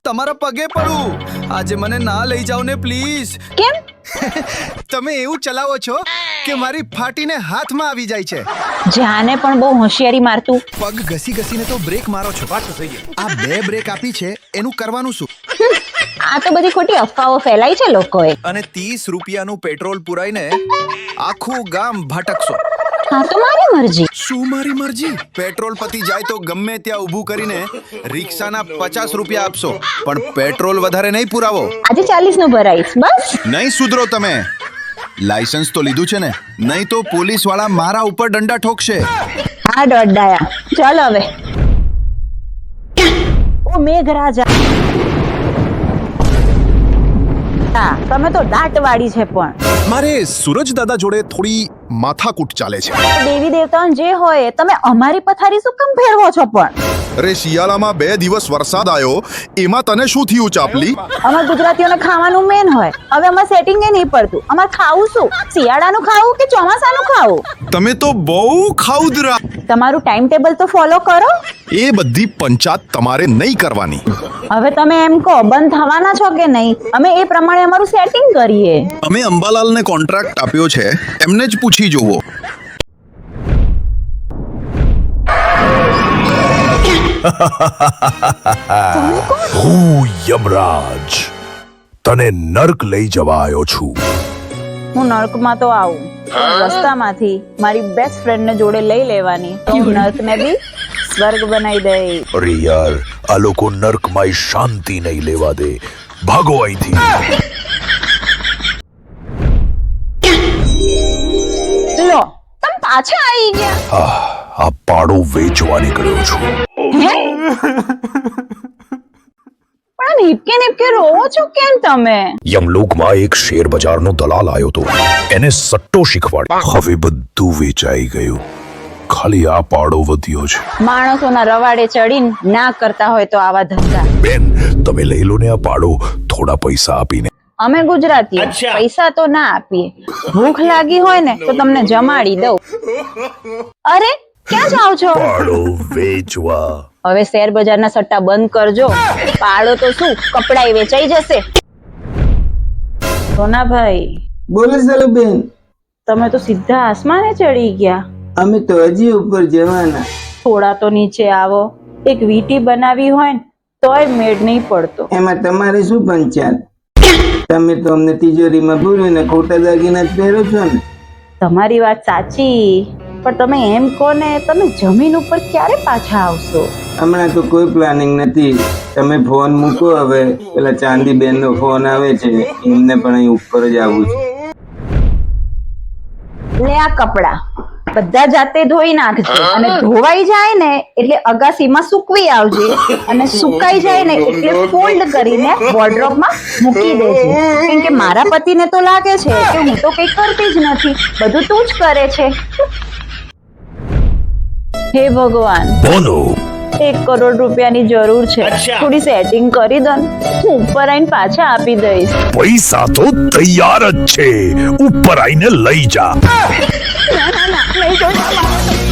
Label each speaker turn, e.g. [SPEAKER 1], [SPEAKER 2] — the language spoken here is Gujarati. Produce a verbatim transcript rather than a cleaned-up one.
[SPEAKER 1] તમારા પગે પડું, આજે મને ના લઈ જાઓ ને પ્લીઝ.
[SPEAKER 2] કેમ?
[SPEAKER 3] તમે એવું ચલાવો છો કે મારી ફાટીને હાથમાં આવી જાય છે.
[SPEAKER 2] જાને પણ બહુ હોશિયારી મારતું.
[SPEAKER 3] પગ ઘસી ઘસીને તો બ્રેક મારો છો. આ બે બ્રેક આપી છે એનું કરવાનું શું?
[SPEAKER 2] આ તો બધી ખોટી અફવાઓ ફેલાઈ છે લોકોએ.
[SPEAKER 1] અને ત્રીસ રૂપિયાનું પેટ્રોલ પુરાઈને આખું ગામ ભટકશો.
[SPEAKER 2] હા તો મારી મરજી.
[SPEAKER 1] શું મારી મરજી? પેટ્રોલ પતી જાય તો ગમે ત્યાં ઊભું કરીને રિક્ષાના પચાસ રૂપિયા આપશો, પણ પેટ્રોલ વધારે નહીં પુરાવો.
[SPEAKER 2] આજે ચાલીસ નું ભરાઈશ બસ.
[SPEAKER 1] નહીં સુધરો તમે. લાયસન્સ તો લીધું છે ને, નહીં તો પોલીસ વાળા મારા ઉપર દંડા ઠોકશે.
[SPEAKER 2] હા દોડાયા. ચાલ હવે. ઓ મેઘરાજા, તમે તો દાટ વાળી છે. પણ
[SPEAKER 3] મારે સૂરજ દાદા જોડે થોડી માથાકૂટ ચાલે છે.
[SPEAKER 2] દેવી દેવતાઓને જે હોય તમે અમારી પથારી શું કામ ફેરવો છો? પણ
[SPEAKER 3] અરે શિયાળામાં બે દિવસ વરસાદ આવ્યો, એમાં તને શું થયું ચાપલી?
[SPEAKER 2] અમાર ગુજરાતીઓને ખાવાનું મેન હોય. હવે અમાર સેટિંગ એ નહીં પડતું. અમાર ખાવું શું? શિયાળાનું ખાવું કે ચોમાસાનું ખાવું?
[SPEAKER 3] તમે તો બહુ ખાઉદરા.
[SPEAKER 2] તમારું ટાઈમ ટેબલ તો ફોલો કરો.
[SPEAKER 3] એ બધી પંચાત તમારે નહીં કરવાની.
[SPEAKER 2] હવે તમે એમ કહો બંધ થવાના છો કે નહીં? અમે એ પ્રમાણે અમારું સેટિંગ કરીએ.
[SPEAKER 1] અમે અંબાલાલને કોન્ટ્રાક્ટ આપ્યો છે, એમને જ પૂછી જોવો.
[SPEAKER 4] હું યમરાજ તને નર્ક લઈ જવા આવ્યો છું.
[SPEAKER 2] હું નર્કમાં તો આવું, પણ રસ્તામાંથી મારી બેસ્ટ ફ્રેન્ડ ને જોડે લઈ લેવાની, તો હું નર્કને બી સ્વર્ગ બનાવી દઈ.
[SPEAKER 4] અરે યાર, આ લોકો નર્કમાં શાંતિ નહીં લેવા દે. ભાગો અહીંથી.
[SPEAKER 2] લો, તમે પાછા આવી ગયા.
[SPEAKER 4] આ પાડો વેચવા નીકળ્યો છું.
[SPEAKER 2] હે? પણ નીપકે નીપકે રોવો છો કેમ તમે?
[SPEAKER 4] યમલોકમાં એક શેર બજારનો દલાલ આવ્યો તો, એને સટ્ટો શીખવાડ. હવે બધું વેચાઈ ગયું, ખાલી આ પાડો વધ્યો છે.
[SPEAKER 2] માણસોના રવાડે ચડીને ના કરતા હોય તો આવા ધંધા.
[SPEAKER 4] બેન, તમે લઈ લો ને આ પાડો થોડા પૈસા આપીને.
[SPEAKER 2] અમે ગુજરાતીઓ પૈસા તો ના આપીએ. ભૂખ લાગી હોય ને તો તમને જમાડી દઉં. અરે ક્યાં જાઓ છો?
[SPEAKER 4] પાડો વેચવા.
[SPEAKER 2] હવે શેર બજારના સટ્ટા બંધ કરજો. પાડો તો શું, કપડાય વેચાઈ જશે. સોનાભાઈ,
[SPEAKER 5] બોલો ચાલો બેન.
[SPEAKER 2] તમે તો સીધા આસમાને ચડી ગયા.
[SPEAKER 5] અમે તો હજી ઉપર જવાના.
[SPEAKER 2] થોડા તો નીચે આવો. એક વીટી બનાવી હોય ને તોય મેળ નહીં પડતો.
[SPEAKER 5] એમાં તમારે શું પંચાયત? તમે તો અમને તિજોરીમાં ભૂલીને ખોટા દાગીના જ પહેરો છો ને.
[SPEAKER 2] તમારી વાત સાચી, પણ તમે એમ કહો ને, તમે જમીન ઉપર ક્યારે પાછા આવશો?
[SPEAKER 5] હમણાં તો કોઈ પ્લાનિંગ નથી. તમે ફોન મૂકો હવે. પેલા ચાંદી બેન નો ફોન આવે છે, એમને પણ અહીં ઉપર જ આવવું છે.
[SPEAKER 2] લે આ કપડા બધા જાતે ધોઈ નાખજો, અને ધોવાઈ જાય ને એટલે અગાસીમાં સૂકવી આવજે, અને સુકાઈ જાય ને એટલે ફોલ્ડ કરીને વોર્ડરોબમાં મૂકી દેજે. કેમ કે મારા પતિને તો લાગે છે કે હું તો કંઈ કરતી જ નથી, બધું તું જ કરે છે. હે ભગવાન,
[SPEAKER 4] બોલો.
[SPEAKER 2] એક કરોડ રૂપિયાની જરૂર છે, થોડી સેટિંગ કરી દો ને, હું ઉપર આવીને પાછા આપી દઈશ.
[SPEAKER 4] પૈસા તો તૈયાર જ છે, ઉપર આવીને લઈ જા.
[SPEAKER 2] ના ના ના, લઈ જાઓ.